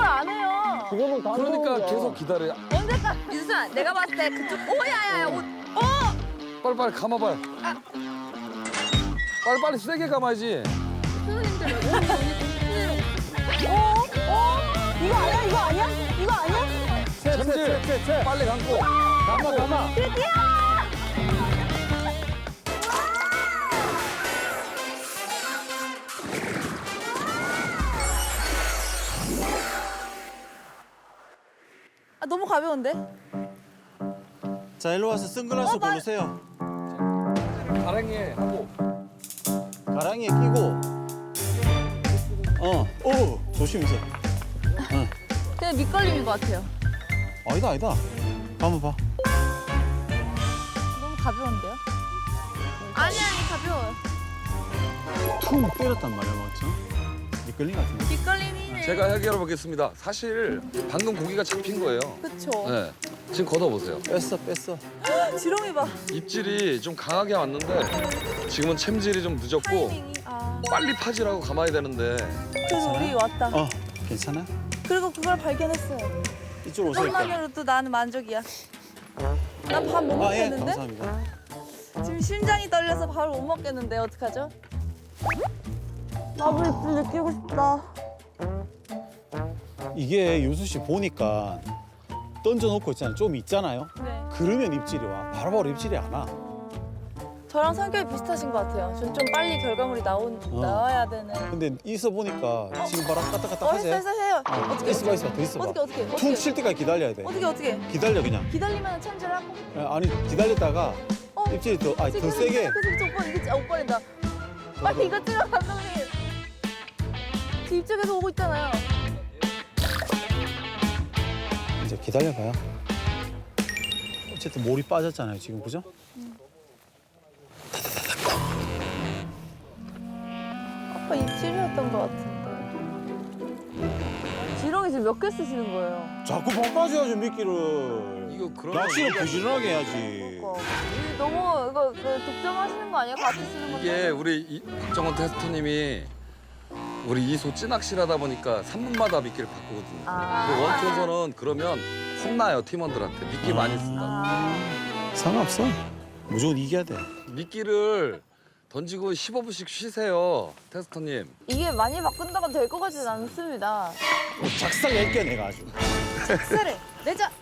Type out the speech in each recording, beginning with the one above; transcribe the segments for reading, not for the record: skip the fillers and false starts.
안 해요. 지금은 다 그러니까 들어오죠. 계속 기다려. 언제까지? 유수야, 내가 봤을 때 그쪽. 오, 야야야, 옷. 빨리 감아봐요. 빨리 세게 감아야지. 선생님들, 이거 아니야? 이거 아니야? 이거 아니야? 챔질 빨리 감고. 감아. 아, 너무 가벼운데? 자, 일로 와서 선글라스 고르세요. 가랑이에 하고. 가랑이에 끼고. 오, 조심히세요. 그냥 밑걸림인 것 같아요. 아니다. 한번 봐. 너무 가벼운데요? 아니, 가벼워요. 퉁 때렸단 말이야, 맞죠? 미끌린 것 같은데. 밑걸림이네. 제가 해결해 보겠습니다. 사실 방금 고기가 잡힌 거예요. 그쵸. 네. 지금 걷어보세요. 뺐어. 지렁이 봐. 입질이 좀 강하게 왔는데 지금은 챔질이 좀 늦었고 타이밍이. 아. 빨리 파지라고 감아야 되는데 그래서 우리 왔다. 괜찮아? 그리고 그걸 발견했어요. 이쪽으로 오세요. 일단. 그것만으로도 나는 만족이야. 난 밥 못 아, 예, 먹겠는데? 감사합니다. 지금 심장이 떨려서 밥을 못 먹겠는데 어떡하죠? 밥을 입술 느끼고 싶다. 이게 유수 씨 보니까 던져놓고 있잖아요. 좀 있잖아요. 네. 그러면 입질이 와. 바로바로 입질이 안 와. 저랑 성격이 비슷하신 것 같아요. 전 좀 빨리 결과물이 나와야 되는. 근데 있어 보니까 지금 바로 까딱까딱 하지? 해요. 어떻게 있어봐, 더 있어봐. 어떻게 퉁 칠 때까지 기다려야 돼. 어떻게 기다려, 그냥. 기다리면 챔질하고. 아니, 기다렸다가 입질이 더 세게. 그래서 오빠 이게 오빠린다. 빨리 이거 찍어 감독님. 제 입쪽에서 오고 있잖아요. 이제 기다려봐요. 어쨌든 몰이 빠졌잖아요, 지금, 그죠? 아빠 입질이었던 것 같은데. 지렁이 지금 몇 개 쓰시는 거예요? 자꾸 바꿔줘야죠, 미끼를. 이거 그런 낚시를 부지런하게 해야지. 너무 이거 독점하시는 거 아니에요? 같이 쓰는 건데. 이게 우리 박정원 테스터님이 우리 이소 찌낚시를 하다 보니까 3분마다 미끼를 바꾸거든요. 근데 원투에서는 그러면 혼나요, 팀원들한테. 미끼 많이 쓴다. 상관없어. 무조건 이겨야 돼. 미끼를 던지고 15분씩 쉬세요, 테스터님. 이게 많이 바꾼다고 될 것 같지는 않습니다. 작살 낼게, 내가 아주. 작살을 내자.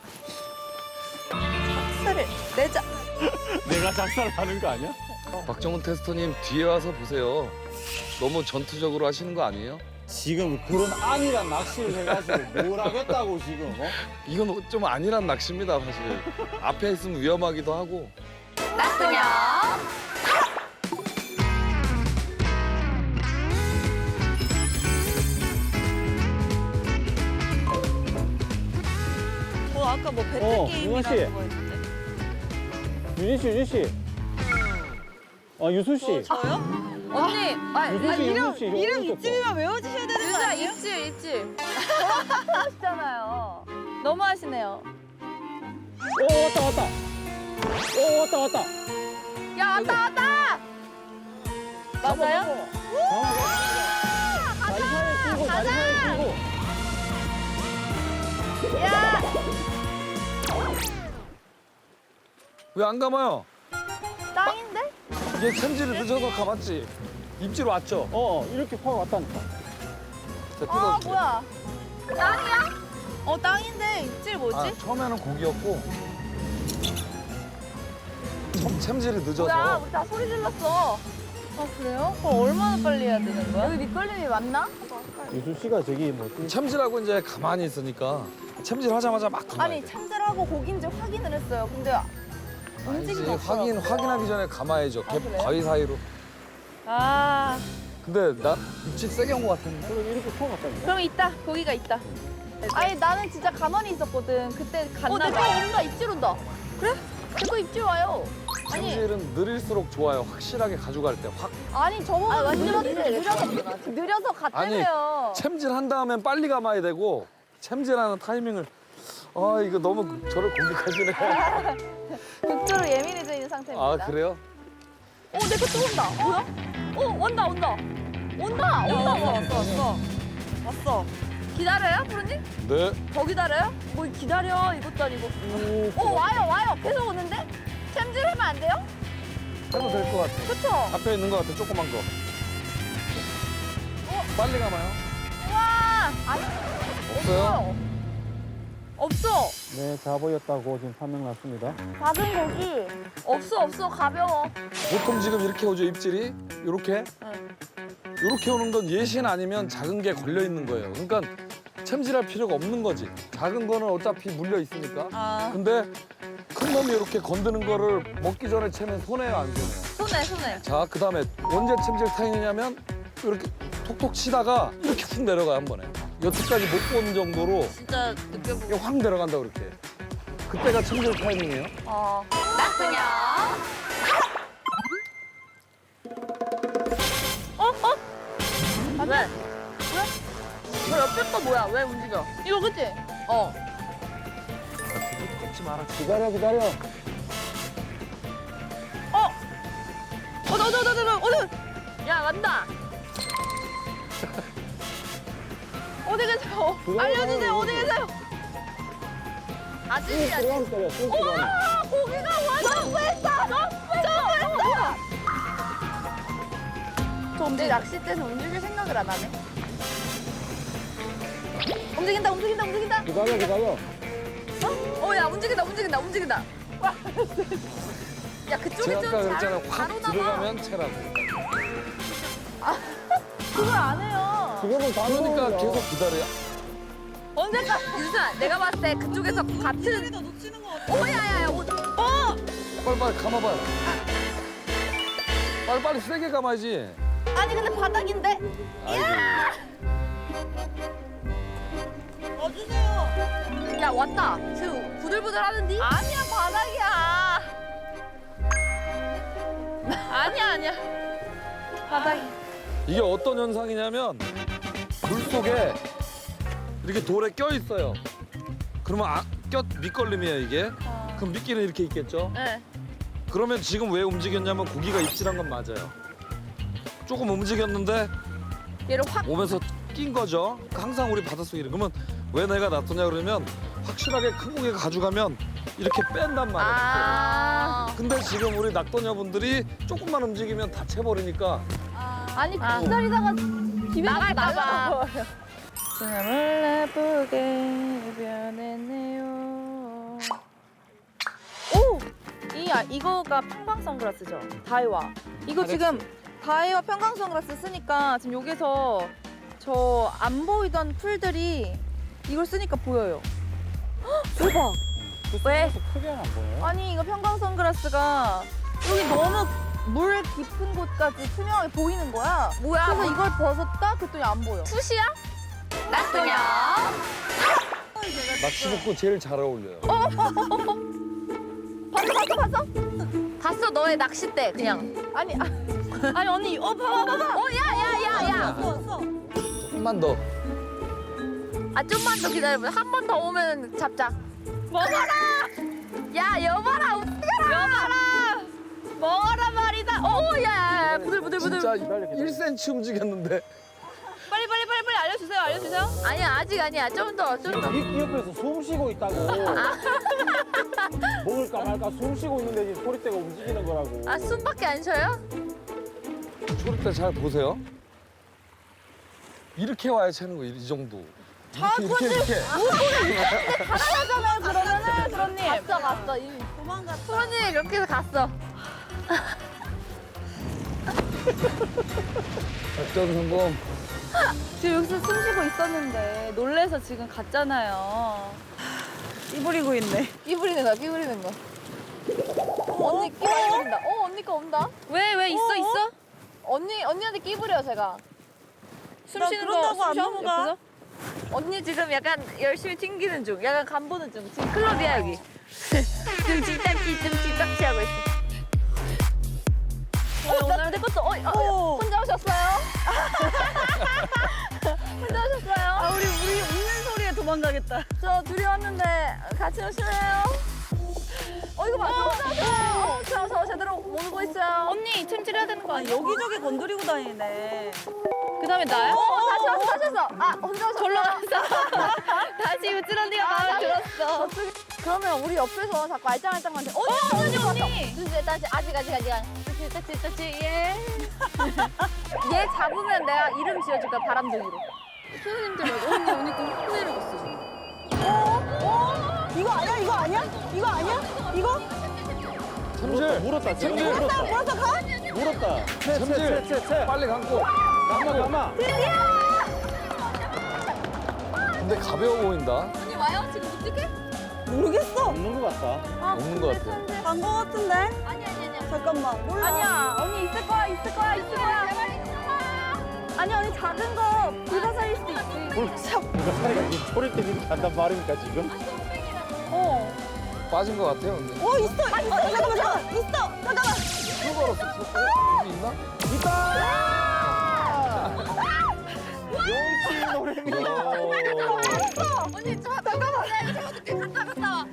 작살을 내자. 내가 작살 하는 거 아니야? 박정원 테스터님 뒤에 와서 보세요. 너무 전투적으로 하시는 거 아니에요? 지금 그런 안일한 낚시를 해가지고 뭘 하겠다고 지금, 이건 좀 아니란 낚시입니다, 사실. 앞에 있으면 위험하기도 하고. 낚시냐? 아까 뭐 배틀 윤아 게임이라는 씨. 거였는데. 유진 씨. 유수 씨. 저요? 언니, 유수 씨, 유수 씨. 이름 입질이면 외워주셔야 되는 거 아니에요? 입질. 하시잖아요. 너무 하시네요. 왔다. 왔다. 야, 왔다! 맞아요? 다리 사이에 끼고, 다리 사이에 끼고. 야! 왜 안 감아요? 땅인데? 이게 챔질이 늦어서 감았지. 입질 왔죠? 이렇게 확 왔다니까. 자, 아, 뜯어줄게요. 뭐야? 땅이야? 땅인데 입질 뭐지? 아, 처음에는 고기였고 챔질이 늦어서 뭐야, 우리 다 소리 질렀어. 아, 그래요? 그럼 얼마나 빨리 해야 되는 거야? 여기 밑걸림이 맞나? 유수 씨가 저기 챔질하고 이제 가만히 있으니까 챔질 하자마자 막 감아야 아니, 돼. 참들하고 고기인지 확인을 했어요. 근데 아니지, 움직임이 없더라고. 확인하기 전에 감아야죠. 아, 그래요? 바위 사이로. 아, 근데 나 입질 세게 온 것 같았는데? 그럼 이렇게 확 왔다니까. 그럼 있다. 고기가 있다. 아니, 나는 진짜 가만히 있었거든. 그때 갔나 봐. 내거 온다. 입질 온다. 그래? 내 거 입질 와요. 아니, 챔질은 느릴수록 좋아요. 확실하게 가져갈 때 확. 아니 저보고 느려서 갔다며요. 챔질 한 다음엔 빨리 감아야 되고 챔질하는 타이밍을 이거 너무 저를 공격하시네. 극도로 예민해져 있는 상태입니다. 아 그래요? 내 거 또 온다. 뭐야? 온다. 왔어. 기다려요, 프로님? 네. 더 기다려요? 뭐 기다려 이것도 아니고. 와요. 계속 오는데? 챔질하면 안 돼요? 해도 될 것 같아. 그쵸? 앞에 있는 것 같아, 조그만 거. 빨리 가봐요. 와, 없어요? 없어. 네, 잡어였다고 지금 판명 났습니다. 작은 고기. 없어. 가벼워. 보통 지금 이렇게 오죠, 입질이? 요렇게? 응. 요렇게 오는 건 예신 아니면 작은 게 걸려 있는 거예요. 그러니까 챔질할 필요가 없는 거지. 작은 거는 어차피 물려 있으니까. 아. 근데 큰 놈이 이렇게 건드는 거를 먹기 전에 채면 손해요, 안 손해요? 손에. 자, 그다음에 언제 챔질 타임이냐면 이렇게 톡톡 치다가 이렇게 훅 내려가요, 한 번에. 여태까지 못 본 정도로 진짜 느껴보고. 이게 확 내려간다, 그렇게. 그때가 챔질 타이밍이에요. 낙승이야. 왜? 너 옆에 거 뭐야? 왜 움직여? 이거 그치? 어. 꺾지 마라. 기다려. 야, 간다. 어디 계세요? 알려주세요. 어디 계세요? 아직이야. 들어가면 때려. 들어가면. 아, 고기가 와. 점프했어. 근데 낚싯대에서 움직일 생각을 안 하네. 움직인다. 기다려. 야, 움직인다. 야, 그쪽이 제가 좀 아까 그랬잖아요. 잘 확 바로 나가. 들어가면 채라고. 그걸 안 해요. 지금은 다 그러니까 넣어요. 계속 기다려요. 언제까? 유수아, 내가 봤을 때 그쪽에서 같은. 놓치는 거 같아. 야야야. 빨리 감아봐요. 빨리 세게 감아야지. 아니 근데 바닥인데. 야, 왔다. 지금 부들부들 하는디? 아니야 바닥이야. 아니야. 바닥이. 이게 어떤 현상이냐면 물 속에 이렇게 돌에 껴 있어요. 그러면 밑걸림이에요, 이게. 그럼 미끼는 이렇게 있겠죠? 네. 그러면 지금 왜 움직였냐면 고기가 입질한 건 맞아요. 조금 움직였는데 얘를 확. 몸에서 낀 거죠. 항상 우리 바닷속에 그러면 왜 내가 놔두냐 그러면 확실하게 큰 고기가 가져가면 이렇게 뺀단 말이에요. 아. 근데 지금 우리 낙도녀분들이 조금만 움직이면 다 채버리니까 아니 기다리다가 집에 나갈까 봐. 등을 예쁘게 변했네요. 오! 이거가 평광 선글라스죠? 다이와. 이거 지금 다이와 평광 선글라스 쓰니까 지금 여기서 저 안 보이던 풀들이 이걸 쓰니까 보여요. 헉, 대박! 왜? 크게 안 보여요? 아니 이거 평광 선글라스가 여기 너무 물 깊은 곳까지 투명하게 보이는 거야. 뭐야? 그래서 이걸 벗었다? 그랬더니 안 보여. 숱이야? 낙승이야. 낚시복구 제일 잘 어울려요. 봤어? 봤어, 너의 낚싯대 그냥. 아니 언니 봐봐. 야야야야. 조금만 더. 아, 좀만 더 기다려봐. 한 번 더 오면 잡자. 먹어라. 야, 여봐라. 여봐라. 먹어라 말이다. 야야야. 부들부들. 진짜 1cm 움직였는데 빨리 알려주세요. 아니야, 아직 아니야. 좀 더. 이 옆에서 숨 쉬고 있다고. 먹을까 말까 숨 쉬고 있는데 지금 소리대가 움직이는 거라고. 아, 숨밖에 안 쉬어요? 초를 때 잘 보세요. 이렇게 와야 채는 거예요, 이 정도. 이렇게. 하잖아요 그러면은 그런님. 갔어. 이미 도망갔어. 프로님 이렇게 해서 갔어. 작전 성공. 지금 여기서 숨 쉬고 있었는데 놀래서 지금 갔잖아요. 끼부리고 있네. 끼부리는 거. 언니 끼부린다. 언니 거 온다. 왜 있어? 언니한테 끼부려, 제가. 숨 쉬는 거 숨 쉬어? 옆에서? 언니 지금 약간 열심히 튕기는 중. 약간 간 보는 중. 지금 클럽이야, 여기. 지금 집딱지 하고 있어. 오늘 내 것도, 혼자 오셨어요? 혼자 오셨어요? 우리 웃는 소리에 도망가겠다. 저 둘이 왔는데 같이 오실래요? 이거 봐. 저 제대로 모르고 있어요. 언니 챔질해야 되는 거 아니야? 여기저기 건드리고 다니네. 그 다음에 나야? 다시 왔어. 아, 혼자 절로 갔어. 다시 우쭐 언니가 마음에 들었어. 그러면 우리 옆에서 자꾸 알짱알짱한테 언니. 다시 아직. 그치. 예. 얘 잡으면 내가 이름 지어줄 거야, 바람둥이로. 선생님들 말고 언니 거 혼내려고 있어 지금. 이거 아니야? 이거? 참질. 물었다. 참질. 물었다. 참질. 빨리 감고. 감아. 근데 가벼워 보인다. 언니 와요? 지금 못 찍게? 모르겠어. 없는 것 같다. 없는 것 같아. 간 거 같은데? 아니. 잠깐만. 몰라. 아니야, 언니 있을 거야. 아니, 언니 작은 거 불가사일 수도 있지. 이거 사이가 소리 때문에 간단 말입니까 지금? 빠진 것 같아요, 근데. 있어. 잠깐만. 있어. 잠깐만. 수고 걸었어. 여기 있나? 용치 노래미. 언니, 잠깐만. 내가 어떻게 갔다 와.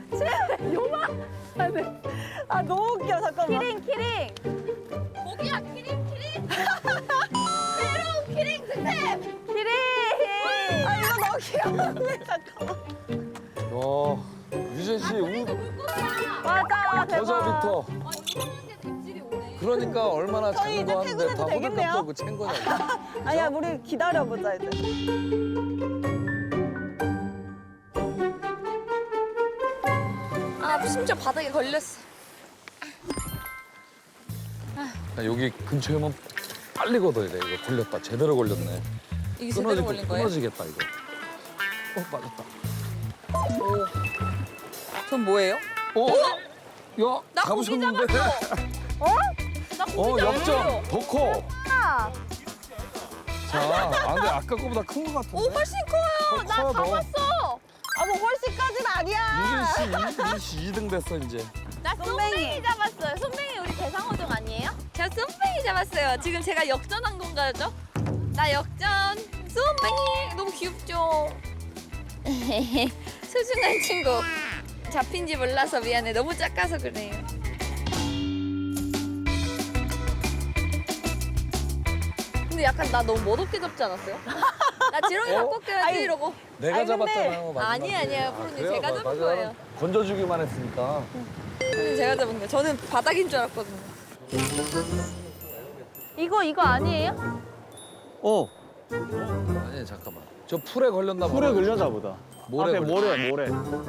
아, 너무 웃겨. 잠깐만. 키링. 고기야, 키링. 새로운 키링 스텝. 키링. 아, 이거 너무 귀여운데. 잠깐만. 유진 씨, 맞아, 대박. 여자부터. 그러니까 얼마나 저희 작은 거 이제 하는데 다 퇴근해도 되겠네요? 호들갑 떨고 챈 거냐고. 아니야, 우리 기다려보자, 이제. 아, 심지어 바닥에 걸렸어. 여기 근처에 오면 빨리 걷어야 돼. 이거 걸렸다. 제대로 걸렸네. 이게 제대로 걸린 거예요? 끊어지겠다, 이거. 맞았다. 전 뭐예요? 야, 나 고기 잡으셨는데? 나 고기 역전. 더 커. 자, 근데 아까 거보다 큰 거 같은데? 훨씬 커요. 나 커, 너. 잡았어. 아, 뭐 훨씬까지는 아니야. 유진 씨 2등 됐어, 이제. 나 쏨뱅이 잡았어요. 쏨뱅이 우리 대상어종 아니에요? 제가 쏨뱅이 잡았어요. 지금 제가 역전한 건가요? 나 역전. 쏨뱅이 너무 귀엽죠? 소중한 친구. 잡힌지 몰라서 미안해. 너무 작아서 그래요. 근데 약간 나 너무 멋없게 잡지 않았어요? 나 지렁이 갖고 껴야지 이러고. 내가 아니, 근데- 잡았잖아요. 마지막에. 아니에요. 프로님 제가 잡은 거예요. 건져주기만 했으니까. 프로님 제가 잡은 거예요. 저는 바닥인 줄 알았거든요. 이거 아니에요? 아니, 잠깐만. 저 풀에 걸렸나 봐. 풀에 걸렸나 보다. 모래 앞에 모래.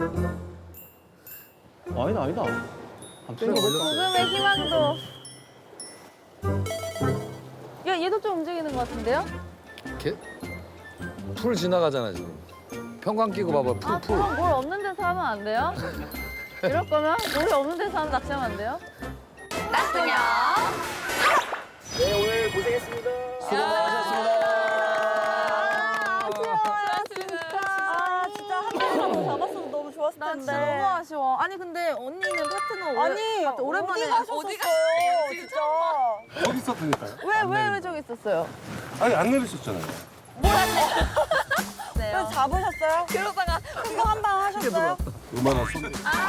아니다. 안 뺀거 걸렸어. 조금의 희망도. 야, 얘도 좀 움직이는 것 같은데요? 풀 지나가잖아, 지금. 평광 끼고 봐봐, 풀. 그럼 뭘 없는 데서 하면 안 돼요? 이럴 거면 물이 없는 데서 하면 낚시하면 안 돼요? 낚시냐? 네, 오늘 고생했습니다. 수고 많으셨습니다. 아, 진짜 한 번이라도 잡았어도 너무 좋았을 나 텐데. 진짜 너무 아쉬워. 아니 근데 언니는 파트너 아니, 오랜만에 어디 가셨었어요, 진짜. 어디 있었다니까요? 왜 저기 있었어요? 아니 안 내리셨잖아요. 그래서 잡으셨어요? 그러다가 그거 한 방 하셨어요? 얼마나 쏟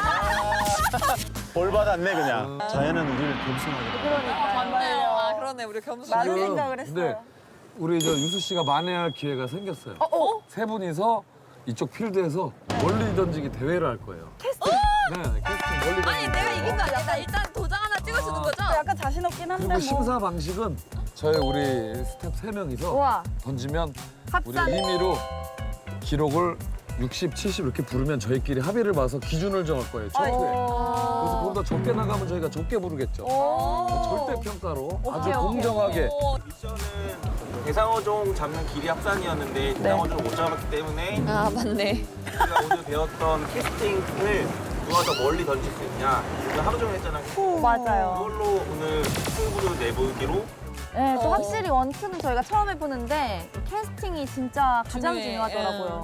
볼 받았네 그냥. 자연은 우리를 겸손하게. 아 그러네 우리 겸손. 많은 지금 생각을 근데 했어요. 우리 저 유수 씨가 만회할 기회가 생겼어요. 세 분이서 이쪽 필드에서 멀리 던지기 대회를 할 거예요. 캐스팅? 네, 캐스팅 멀리 던지기. 아니 내가 이긴 거 아니야? 나 일단 도장 하나 찍어주는 거죠? 약간 자신 없긴 한데 그리고 뭐. 심사 방식은 저희 우리 스텝 3명이서 우와. 던지면 우리 합산. 임의로 기록을 60, 70 이렇게 부르면 저희끼리 합의를 봐서 기준을 정할 거예요, 초투에. 그래서 그보다 적게 나가면 저희가 적게 부르겠죠. 절대 평가로 아주 공정하게. 미션은 대상어종 잡는 길이 합산이었는데 대상어종을 못 잡았기 때문에 아 맞네. 우리가 오늘 배웠던 캐스팅을 누가 더 멀리 던질 수 있냐 오늘 하루 종일 했잖아요. 맞아요. 그걸로 오늘 승부를 내보기로 네, 또 확실히 원투는 저희가 처음 해보는데 캐스팅이 진짜 가장 중요해. 중요하더라고요.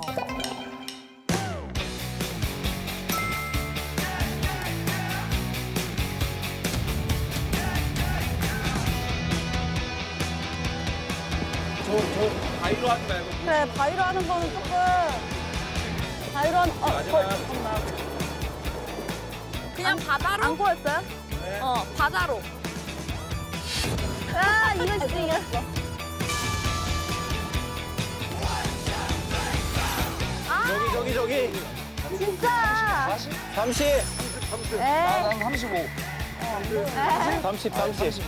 저 바위로 하지 말고 그래, 바위로 하는 거는 조금. 바위로 하는, 그냥 바다로? 안 꼬였어요? 바다로. 아, 이겼어, 이겼어. 여기. 진짜. 30. 에. 난 35. 30.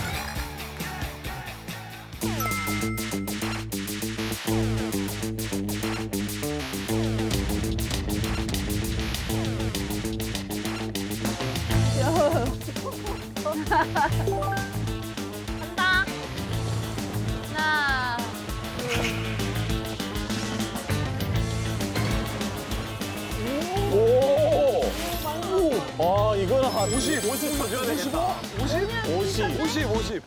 간다. 하나. 아, 이거는 한 50 쳐줘야 되겠다. 50.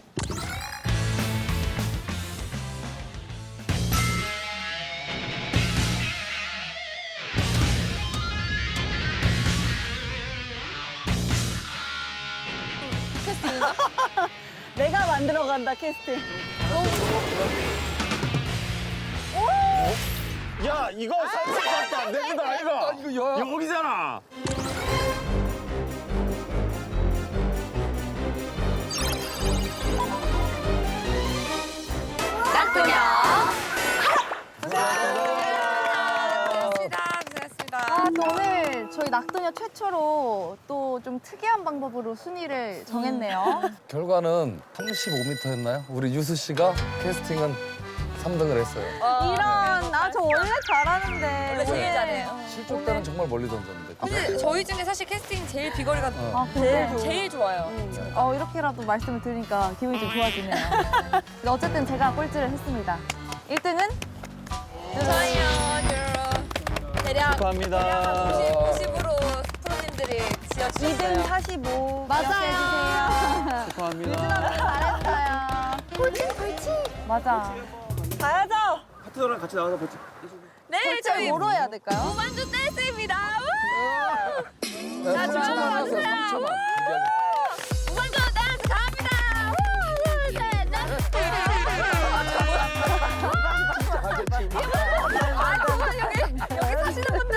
내가 만들어 간다 캐스팅. 야, 이거 30 같다. 안 됩니다, 아이가. 이거 야. 여기잖아. 아, 오늘 저희 낙도녀 최초로 또 좀 특이한 방법으로 순위를 정했네요. 결과는 35m였나요? 우리 유수 씨가 캐스팅은 3등을 했어요. 이런, 아, 저 원래 잘하는데. 원래 제일 잘해요. 실족 때는 정말 멀리 던졌는데. 근데 저희 중에 사실 캐스팅 제일 비거리가 아, 그래? 제일 좋아요. 이렇게라도 말씀을 들으니까 기분이 좀 좋아지네요. 근데 어쨌든 제가 꼴찌를 했습니다. 1등은? 저희요, 대략 축하합니다. 50으로 프로님들이 지어주셨어요. 2등 45. 맞아요. 축하합니다. 잘했어요. 맞아. 가야죠. 파트너랑 같이 나와서 버티. 네, 저희 뭐로 해야 될까요? 무반주 댄스입니다. 우! 자, 3초만 하세요. 3초만. 무반주 댄스 갑니다. 우! 둘, 셋, 넷. 아, 정말 여기 사시는 분들.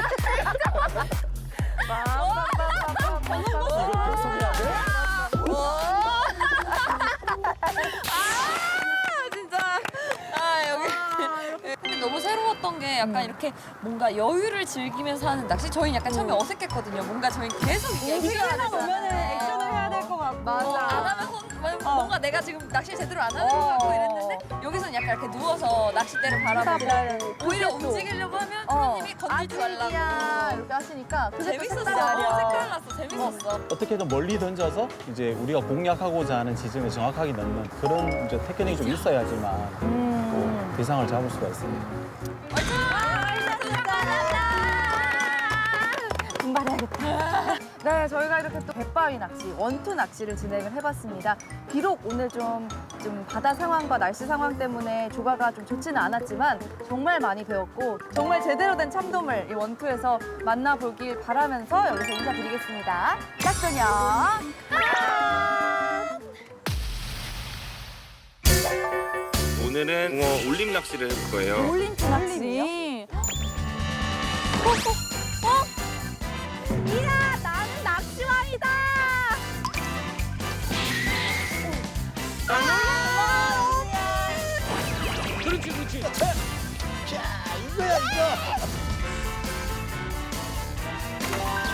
이거 계속해야 돼? 진짜. 여기. 근데 너무 새로웠던 게 약간 이렇게 뭔가 여유를 즐기면서 하는 낚시. 저희는 약간 처음에 어색했거든요. 뭔가 저희는 계속 액션을 오면은 액션을 해야 될 것 같고. 안 하면 뭔가 내가 지금 낚시 제대로 안 하는 것 같고 이랬는데 여기서는 약간 이렇게 누워서 낚싯대를 바라보고 오히려 움직이려고 하면 프로님이 건들지 말라고. 아직이야 이렇게 하시니까 그게 또 재밌었어. 색다르죠. 색깔 났어. 재밌었어. 어떻게든 멀리 던져서 이제 우리가 공략하고자 하는 지점에 정확하게 넣는 그런 이제 테크닉이 좀 있어야지만 또 대상을 잡을 수가 있습니다. 분발해야겠다. 네, 저희가 이렇게 또 갯바위 낚시, 원투 낚시를 진행을 해봤습니다. 비록 오늘 좀 바다 상황과 날씨 상황 때문에 조과가 좀 좋지는 않았지만 정말 많이 배웠고 정말 제대로 된 참돔을 이 원투에서 만나보길 바라면서 여기서 인사드리겠습니다. 짝소녀. 오늘은 붕어 올림 낚시를 해볼 거예요. 올림투 낚시. 이야 나는 낚시왕이다. 그렇지. 자, 이거야, 이거.